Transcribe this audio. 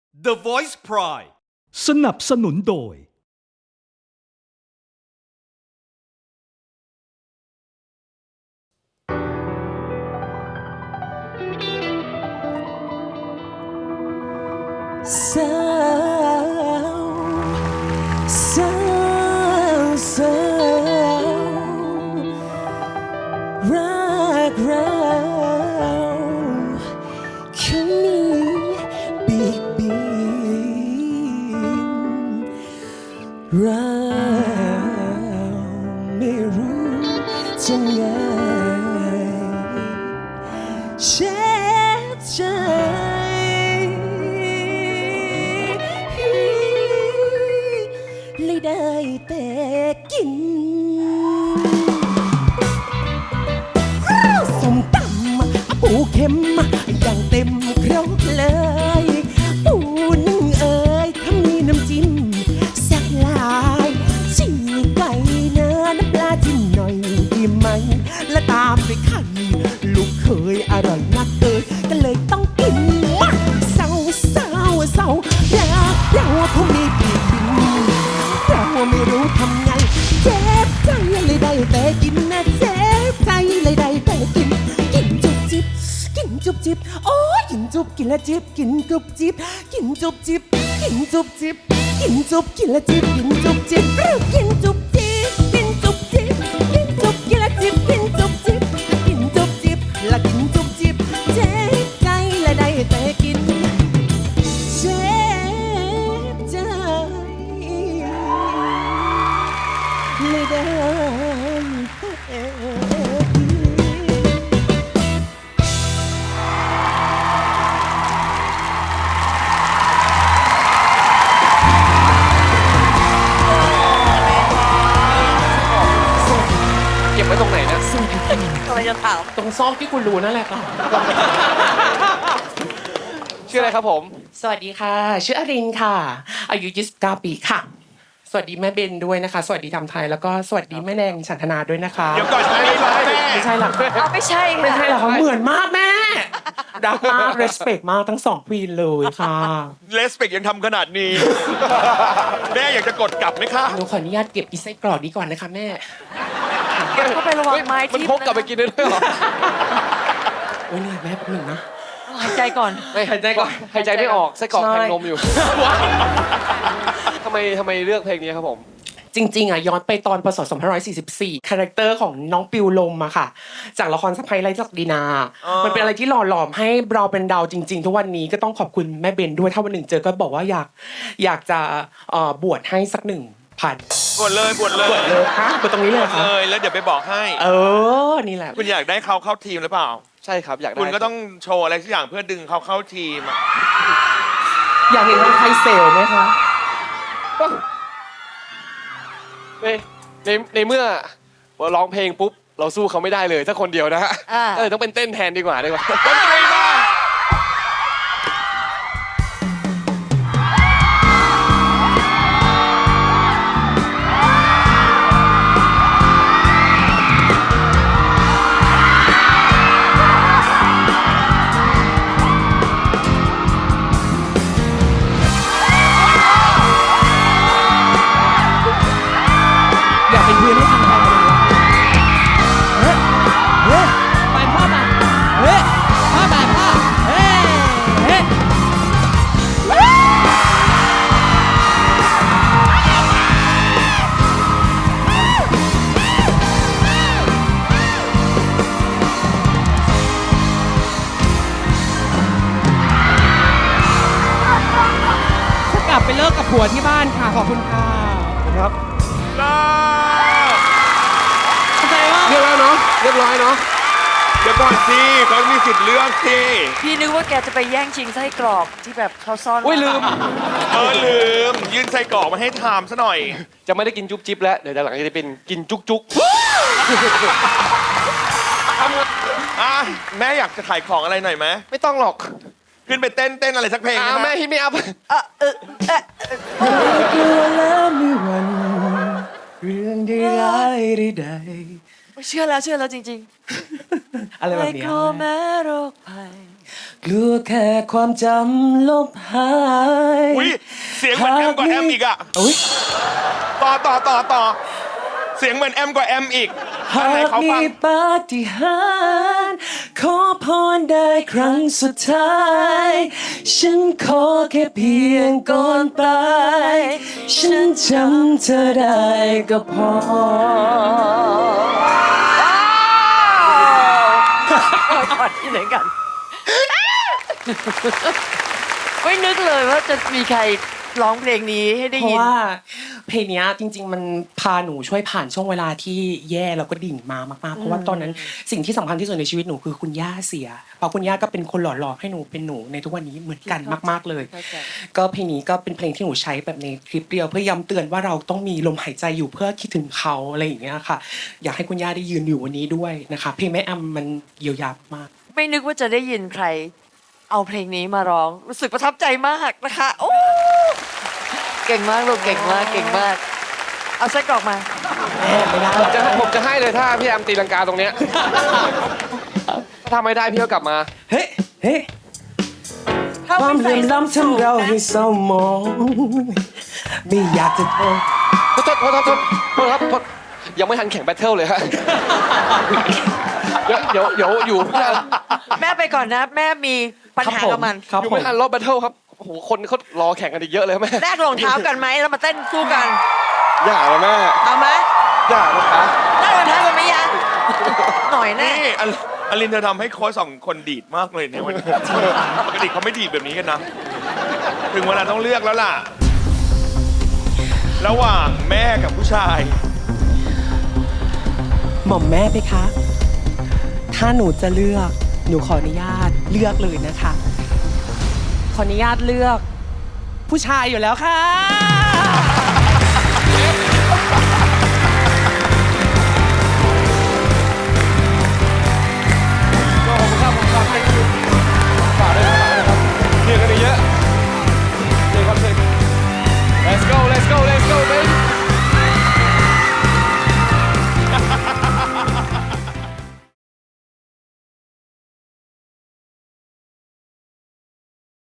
The Voice Pride สนับสนุนโดยสาวสาวสาวรักเราแค่นี้บิ๊กบิ๊กเราไม่รู้จะไงเช็ดใจเลยได้แต่กินส้มตำปูเข็มอย่างเต็มครกเลยปูนึ่งเอ๋ยถ้ามีน้ำจิ้มแซ่บหลายฉีกไก่เนื้อน้ำปลาจิ้มหน่อยดีไหมและตามด้วยไข่ลูกเคยอร่อยนักเอ๋ยก็เลยต้องกินมาเศร้าเศร้าเศร้ารักเราคงมีปีกบินเราไม่รู้ทำไงเจ็บใจเลยได้แต่กินนะเจ็บใจเลยได้แต่กินกินจุบจิบกินจุบจิบโอ้ยกินจุบกินละจิบกินจุบจิบกินจุบจิบกินจุบจิบกินจุบกินละจิบกินจุบจิบกินจุบจิบกินจุบจิบกินจุบกินละจิบกินจุบจิบกินจุบจิบละกินจุบจิบเจ็บใจเลยได้แต่กินเจ็บใจเลยได้แต่กินเก็บไว้ตรงไหนนะอะไรจะถามตรงซอกที่คุณรู้นั่นแหละค่ะชื่ออะไรครับผมสวัสดีค่ะ ชื่ออรินค่ะ อายุ 29 ปีค่ะ สวัสดีแม่เบนด้วยนะคะ สวัสดีทำไทย แล้วก็สวัสดีแม่แนงฉันทนาด้วยนะคะเดี๋ยวก่อนไม่ใช่แม่ไม่ใช่หรอกเอาไม่ใช่ไม่ใช่หรค่ะอกเขาเหมือนมากแม่รักมาก respect มากทั้งสองควีนเลยค่ะเลสเปกยังทำขนาดนี้ แม่อยากจะกดกลับไหมคะหนูขออนุญาตเก็บอีไส้กรอกนี้ก่อนนะคะแม่เก็บเข้าไประวังไม้มันทิ่พกกลับไปกินได้ด้วยเหรอโอ้ยเหนื่อยแม่แป๊บหนึ่งนะหายใจก่อนไม่หายใจก่อนหายใจไม่ออกไส้กรอกใช่แทงนมอยู่ ทำไมเลือกเพลงนี้ครับผมจริงๆอ่ะย้อนไปตอนพศ2544คาแรคเตอร์ของน้องปิวลมอะค่ะ จากละครสะพ้ายไร้ศักดินา มันเป็นอะไรที่หล่อหลอมให้เราเป็นดาวจริง ๆ ทุกวันนี้ก็ต้องขอบคุณแม่เบนด้วยถ้าวันหนึ่งเจอก็บอกว่าอยากจะบวชให้สัก1,000 กดเลยกดเลยเลยฮะบวชตรงนี้เลยกเหรดอคะเลยแล้วเดี๋ยวไปบอกให้นี่แหละคุณอยากได้เขาเข้าทีมหรือเปล่าใช่ครับอยากได้คุณก็ต้องโชว์อะไรสักอย่างเพื่อดึงเขาเข้าทีมอะอยากเห็นทางไทยเซลไหมคะในเมื่อร้องเพลงปุ๊บ เราสู้เขาไม่ได้เลยถ้าคนเดียวนะฮะอ่าก็เลยต้องเป็นเต้นแทนดีกว่าดนตรีมาอยากเป็นเพื่อนให้ทางไทยไปพ่อมาพ่อมาพ่อกลับไปเลิกกับผัวที่บ้านค่ะ ขอบคุณค่ะครับลาเข้าใจว่าเรียบร้อยเนาะเรียบร้อยเนาะเดี๋ยวก่อนสิเขามีสิทธิ์เลือกสิพี่นึกว่าแกจะไปแย่งชิงไส้กรอกที่แบบเขาซ่อนอุ้ยลืมลืมยื่นไส้กรอกมาให้ทามซะหน่อยจะไม่ได้กินจุ๊บจิ๊บแล้วเดี๋ยวหลังจะเป็นกินจุกจุกอ่ะแม่อยากจะขายของอะไรหน่อยไหมไม่ต้องหรอกขึ้นไปเต้นอะไรสักเพลงนะแม่ฮิตไม่อัพกลัวแล้วมีวันเรื่องใดร้ายใดเชื่อแล้วจริงๆอะไรๆแบบไม่เนี้ขยอแม้โรคภัยกลัวแค่ความจำลบหายอุ้ยเสียงเหมือนแอมกว่าแอมอีกอะอุ๊ยต่อเสียงเหมือนแอมกว่าแอมอีกอัหานไหนกเขามีฟังปาฏิหาริย์ขอพรได้ครั้งสุดท้าย ฉันขอแค่เพียงก่อนตายฉันจำเธอได้ก็พอก่อนที่ไหนกัน ไม่นึกเลยว่าจะมีใครร้องเพลงนี้ให้ได้เพราะยินว่าเพลงเนี้ยจริง ๆ มันพาหนูช่วยผ่านช่วงเวลาที่แย่แล้วก็ดิ่งมามากๆเพราะว่าตอนนั้นสิ่งที่สำคัญที่สุดในชีวิตหนูคือคุณย่าเสียเพราะคุณย่าก็เป็นคนหล่อหลอมให้หนูเป็นหนูในทุกวันนี้เหมือนกันมากๆเลยเข้าใจก็เพลงนี้ก็เป็นเพลงที่หนูใช้แบบในคลิปเดียวเพื่อย้ำเตือนว่าเราต้องมีลมหายใจอยู่เพื่อคิดถึงเขาอะไรอย่างเงี้ยค่ะ อยากให้คุณย่าได้ยืนอยู่วันนี้ด้วยนะคะเพลงแม่แอมมันเยียวยามากไม่นึกว่าจะได้ยินใคร เอาเพลงนี้มาร้อง รู้สึกประทับใจมากนะคะโอ้เก่งมากลูกเก่งมากเก่งมาก เอาไส้กรอกมาผมจะให้เลยถ้าพี่แอมตีลังกาตรงเนี้ยถ้าทำไม่ได้พี่ก็กลับมาเฮ้เฮ้ความเหลื่อมล้ำทำเราให้เศร้าหมองไม่อยากจะโทษโทษครับยังไม่ทันแข่งแบทเทิลเลยฮะเดี๋ยวอยู่ไม่ทันแม่ไปก่อนนะ แม่มีปัญหากับมันครับอยู่ผมไม่ทันรอบแบทเทิลครับโอ้โหคนเขารอแข่งกันอีกเยอะเลยแม่แลกรองเท้ากันไหมแล้วมาเต้นสู้กันอย่าเลยแม่เอาไหมอย่านะคะแลกรองเท้ากันไหมยังหน่อยแน่นี่อลินเธอทำให้โค้ชสองคนดีดมากเลยในวันนี้ปกติเขาไม่ดีดแบบนี้กันนะ ถึงเวลาต้องเลือกแล้วล่ะ ระหว่างแม่กับผู้ชายหม่อมแม่ไปคะ ถ้าหนูจะเลือก หนูขออนุญาตเลือกเลยนะคะ ขออนุญาตเลือก ผู้ชายอยู่แล้วค่ะ